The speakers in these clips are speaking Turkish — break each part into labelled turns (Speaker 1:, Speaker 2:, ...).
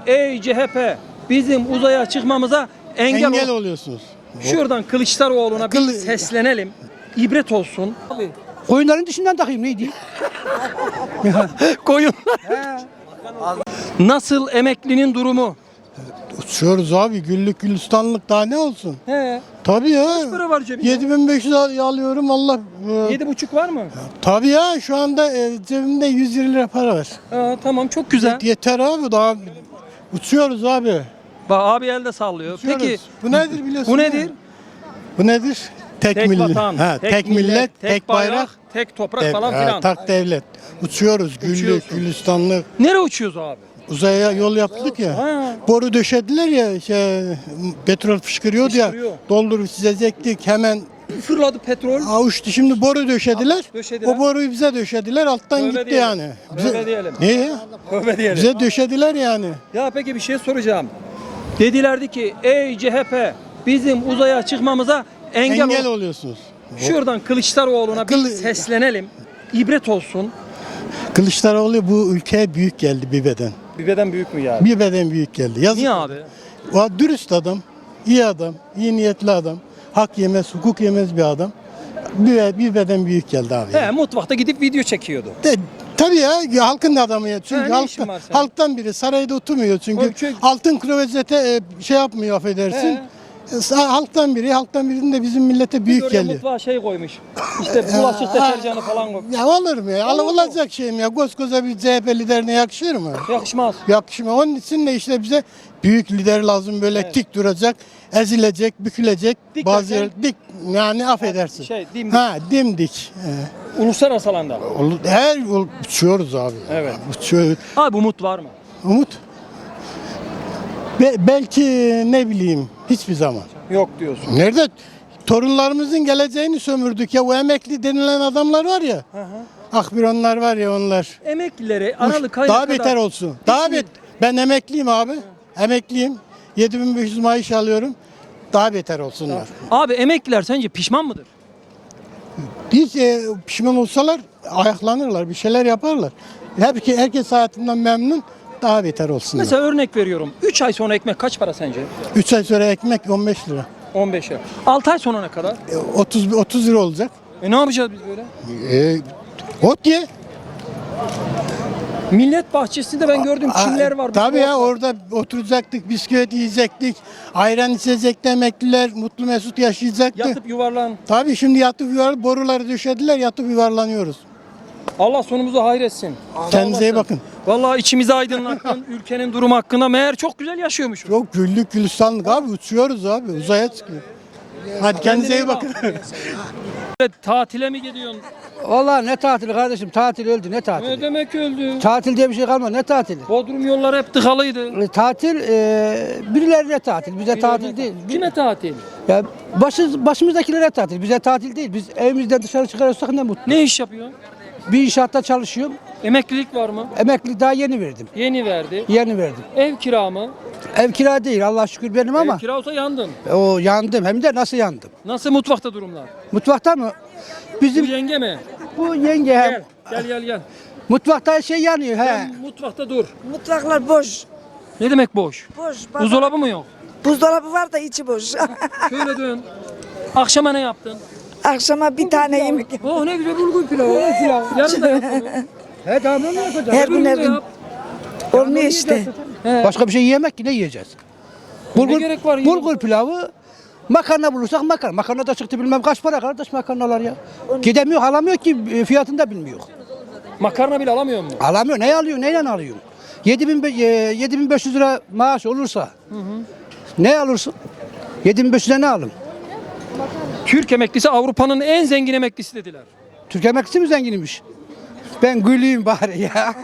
Speaker 1: ey CHP bizim uzaya çıkmamıza engel ol.
Speaker 2: oluyorsunuz.
Speaker 1: Şuradan Kılıçdaroğlu'na bir seslenelim. İbret olsun. Abi,
Speaker 3: Koyunların dışından takayım neydi?
Speaker 1: koyunlar. Nasıl emeklinin durumu?
Speaker 2: Uçuyoruz abi, güllük gülistanlık daha ne olsun?
Speaker 1: He.
Speaker 2: Tabii ya.
Speaker 1: Kaç para var cebinde?
Speaker 2: 7500 alıyorum Allah.
Speaker 1: 7,5 var mı?
Speaker 2: Tabii ya, şu anda cebimde 120 lira para var.
Speaker 1: Aa, tamam çok güzel.
Speaker 2: Yeter abi, daha uçuyoruz abi.
Speaker 1: Bak abi elde sallıyor.
Speaker 2: Uçuyoruz.
Speaker 1: Peki
Speaker 2: Bu nedir biliyorsun?
Speaker 1: bu
Speaker 2: değil
Speaker 1: nedir?
Speaker 2: mi? Bu nedir?
Speaker 1: Tek
Speaker 2: millet.
Speaker 1: vatan,
Speaker 2: Ha, tek millet, tek bayrak,
Speaker 1: tek toprak falan filan.
Speaker 2: tak devlet. Uçuyoruz, güllük
Speaker 1: Uçuyorsun.
Speaker 2: gülistanlık.
Speaker 1: Nereye uçuyoruz abi?
Speaker 2: Uzaya yol yaptık ya.
Speaker 1: Ha.
Speaker 2: Boru döşediler ya, petrol fışkırıyordu
Speaker 1: Fışkırıyor.
Speaker 2: ya. Doldurup çizecektik hemen.
Speaker 1: Fırladı petrol.
Speaker 2: Avuçtu, şimdi boru döşediler.
Speaker 1: Döşediler.
Speaker 2: O boruyu bize döşediler, alttan
Speaker 1: Tövbe
Speaker 2: gitti
Speaker 1: diyelim.
Speaker 2: yani.
Speaker 1: Tövbe diyelim.
Speaker 2: Niye?
Speaker 1: Tövbe diyelim.
Speaker 2: Bize döşediler yani.
Speaker 1: Ya peki bir şey soracağım. Dedilerdi ki ey CHP bizim uzaya çıkmamıza engel ol.
Speaker 2: oluyorsunuz.
Speaker 1: Şuradan Kılıçdaroğlu'na bir
Speaker 2: Kılı-
Speaker 1: seslenelim. İbret olsun.
Speaker 2: Kılıçdaroğlu bu ülkeye büyük geldi bir beden.
Speaker 1: Bir beden büyük mü yani?
Speaker 2: Bir beden büyük geldi. Yazık.
Speaker 1: Niye abi?
Speaker 2: O dürüst adam, iyi adam, iyi niyetli adam. Hak yemez, hukuk yemez bir adam. Bir beden büyük geldi abi.
Speaker 1: He, mutfakta gidip video çekiyordu.
Speaker 2: Tabii ya, halkın adamı ya. Çünkü
Speaker 1: ne işin var senin?
Speaker 2: halktan biri sarayda oturmuyor çünkü.
Speaker 1: Tabii, çünkü-
Speaker 2: Altın klozete şey yapmıyor, affedersin. Halktan birinin de bizim millete
Speaker 1: Biz
Speaker 2: büyük
Speaker 1: oraya
Speaker 2: geliyor.
Speaker 1: mutfağa şey koymuş. İşte bulaşık deterjanı falan koymuş.
Speaker 2: Ya olur mu ya?
Speaker 1: Olur mu?
Speaker 2: Olacak şey mi ya? Koskoca bir CHP liderine yakışır mı?
Speaker 1: Yakışmaz.
Speaker 2: Yakışmıyor. Onun için de işte bize büyük lider lazım, böyle dik duracak, ezilecek, bükülecek.
Speaker 1: Dik
Speaker 2: bazı
Speaker 1: derken?
Speaker 2: yer dik, yani affedersin.
Speaker 1: Dimdik.
Speaker 2: Ha, dimdik.
Speaker 1: Uluslararası alanda.
Speaker 2: Uçuyoruz abi.
Speaker 1: Evet.
Speaker 2: Uçuyoruz.
Speaker 1: Abi umut var mı?
Speaker 2: Umut. Belki ne bileyim, hiçbir zaman.
Speaker 1: Yok diyorsun.
Speaker 2: Nerede? Torunlarımızın geleceğini sömürdük ya. O emekli denilen adamlar var ya. Akbironlar var ya, onlar.
Speaker 1: Emeklileri Aralık ayına
Speaker 2: Daha
Speaker 1: kadar...
Speaker 2: beter olsun. Ben emekliyim abi. Emekliyim. 7500 maaş alıyorum. Daha beter olsunlar.
Speaker 1: Abi emekliler sence pişman mıdır?
Speaker 2: Hiç pişman olsalar ayaklanırlar, bir şeyler yaparlar. Herkes hayatından memnun, daha beter olsunlar.
Speaker 1: Mesela örnek veriyorum. 3 ay sonra ekmek kaç para sence?
Speaker 2: 3 ay sonra ekmek 15 lira.
Speaker 1: 15 lira. 6 ay sonra ne kadar?
Speaker 2: 30 lira olacak.
Speaker 1: Ne yapacağız biz böyle?
Speaker 2: Ot ye.
Speaker 1: Millet bahçesinde ben gördüm çimler var.
Speaker 2: Tabii ya,
Speaker 1: bisküvi var.
Speaker 2: orada oturacaktık, bisküvit yiyecektik. Ayran içecekti emekliler, mutlu mesut yaşayacaktı.
Speaker 1: Yatıp yuvarlan.
Speaker 2: Tabii şimdi boruları döşediler, yatıp yuvarlanıyoruz.
Speaker 1: Allah sonumuzu hayretsin.
Speaker 2: Kendinize iyi bakın.
Speaker 1: Vallahi içimizi aydınlattın. Ülkenin durumu hakkında meğer çok güzel yaşıyormuşuz.
Speaker 2: Çok güllük gülistanlık abi, uçuyoruz abi, uzaya çıkıyor. Hadi kendinize iyi bakın.
Speaker 1: Tatile mi gidiyorsun?
Speaker 3: Vallahi ne tatili kardeşim, tatil öldü, ne
Speaker 1: Ne
Speaker 3: tatili?
Speaker 1: demek öldü?
Speaker 3: Tatil diye bir şey kalmadı, ne tatili?
Speaker 1: Bodrum yolları hep tıkalıydı.
Speaker 3: Tatil birilerine tatil, bize tatil değil.
Speaker 1: Kime tatil?
Speaker 3: Ya başımızdakilere tatil, bize tatil değil. Biz evimizden dışarı çıkarırsak ne mutlu.
Speaker 1: Ne iş yapıyorsun?
Speaker 3: Bir inşaatta çalışıyorum,
Speaker 1: Emeklilik var mı?
Speaker 3: emekli daha yeni verdim.
Speaker 1: Yeni verdi.
Speaker 3: Yeni verdim.
Speaker 1: Ev kira mı?
Speaker 3: Ev kira değil, Allah şükür benim ama
Speaker 1: Ev kira olsa yandın.
Speaker 3: o yandım, hem de nasıl yandım?
Speaker 1: Nasıl mutfakta durumlar?
Speaker 3: Mutfakta mı?
Speaker 1: Bu
Speaker 3: Bizim
Speaker 1: yenge mi?
Speaker 3: bu yenge hem
Speaker 1: Gel.
Speaker 3: mutfakta şey yanıyor he.
Speaker 1: Sen mutfakta dur.
Speaker 4: Mutfaklar boş.
Speaker 1: Ne demek boş?
Speaker 4: Boş.
Speaker 1: Buzdolabı mı yok?
Speaker 4: Buzdolabı var da içi boş.
Speaker 1: Şöyle dön. Akşama ne yaptın?
Speaker 4: Akşama bir tane yemek.
Speaker 1: Oh ne güzel bulgur pilavı. Yarın da yap onu.
Speaker 3: He tamam ne yapacağız?
Speaker 4: Her gün
Speaker 1: Öbür
Speaker 4: her
Speaker 1: de
Speaker 4: gün.
Speaker 1: yap.
Speaker 4: Olmuyor işte.
Speaker 3: Başka bir şey yemek ki ne yiyeceğiz?
Speaker 1: Ne gerek var?
Speaker 3: Bulgur pilavı, makarna bulursak makarna. Makarna da çıktı bilmem kaç para kardeş makarnalar ya. Gidemiyor, alamıyor ki fiyatını da bilmiyor.
Speaker 1: Makarna bile alamıyor mu?
Speaker 3: Alamıyor, ne alıyor, neyle alıyor? 7500 lira maaş olursa ne alırsın? 7500'e ne alın?
Speaker 1: Türk emeklisi Avrupa'nın en zengin emeklisi dediler.
Speaker 3: Türk emeklisi mi zenginmiş? Ben güleyim bari ya.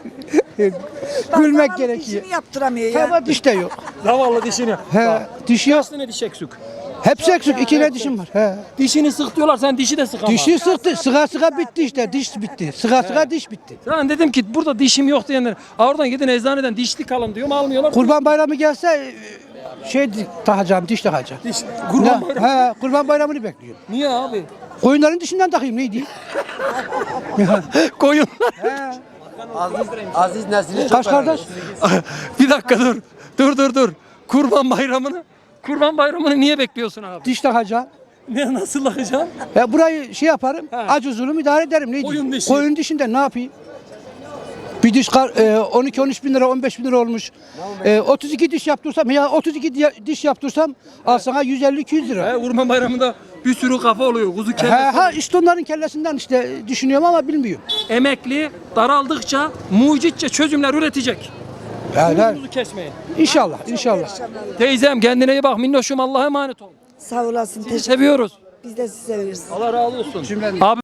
Speaker 3: Gülmek gerekiyor.
Speaker 4: İşini yaptıramıyor ya.
Speaker 3: Ama diş de yok.
Speaker 1: Zavallı dişini.
Speaker 3: He, diş yok.
Speaker 1: Kaç tane diş eksik?
Speaker 3: Hepsi eksik. İki ne dişim var. He.
Speaker 1: Dişini sık diyorlar sen dişi de sık ama.
Speaker 3: Dişi sıktı. Sıga bitti işte. Diş bitti. Sıga diş bitti.
Speaker 1: Ben dedim ki burada dişim yok diyenler. Oradan gidin eczaneden dişlik alın diyorum almıyorlar.
Speaker 3: Kurban bayramı gelse şey takacağım, diş takacağım.
Speaker 1: Diş, kurban bayramı.
Speaker 3: He, kurban bayramını bekliyorum.
Speaker 1: Niye abi?
Speaker 3: Koyunların dişinden takayım neydi?
Speaker 1: Koyunlar.
Speaker 3: He.
Speaker 5: Aziz Nesin'i çok
Speaker 3: Kaç kardeş?
Speaker 1: Bir dakika dur. Dur. Kurban Bayramı'nı niye bekliyorsun abi?
Speaker 3: Diş takacağım.
Speaker 1: Ne nasıl lakacaksın?
Speaker 3: Burayı şey yaparım. Acı zulüm idare ederim. Neydi?
Speaker 1: Koyun dişi.
Speaker 3: Koyun dişinde ne yapayım? Bir diş 12-13 bin lira 15 bin lira olmuş. 32 diş yaptırsam ya 32 diş yaptırsam al sana 150-200 lira.
Speaker 1: Kurban Bayramı'nda bir sürü kafa oluyor. Kuzu kellesi.
Speaker 3: İşte onların kellesinden işte düşünüyorum ama bilmiyorum.
Speaker 1: Emekli daraldıkça mucitçe çözümler üretecek. Kuzu kesmeyin.
Speaker 3: İnşallah.
Speaker 1: Teyzem kendine iyi bak minnoşum, Allah'a emanet ol.
Speaker 4: Sağ olasın.
Speaker 1: Sizi seviyoruz.
Speaker 4: Biz de sizi seviyoruz.
Speaker 1: Allah razı olsun. Abi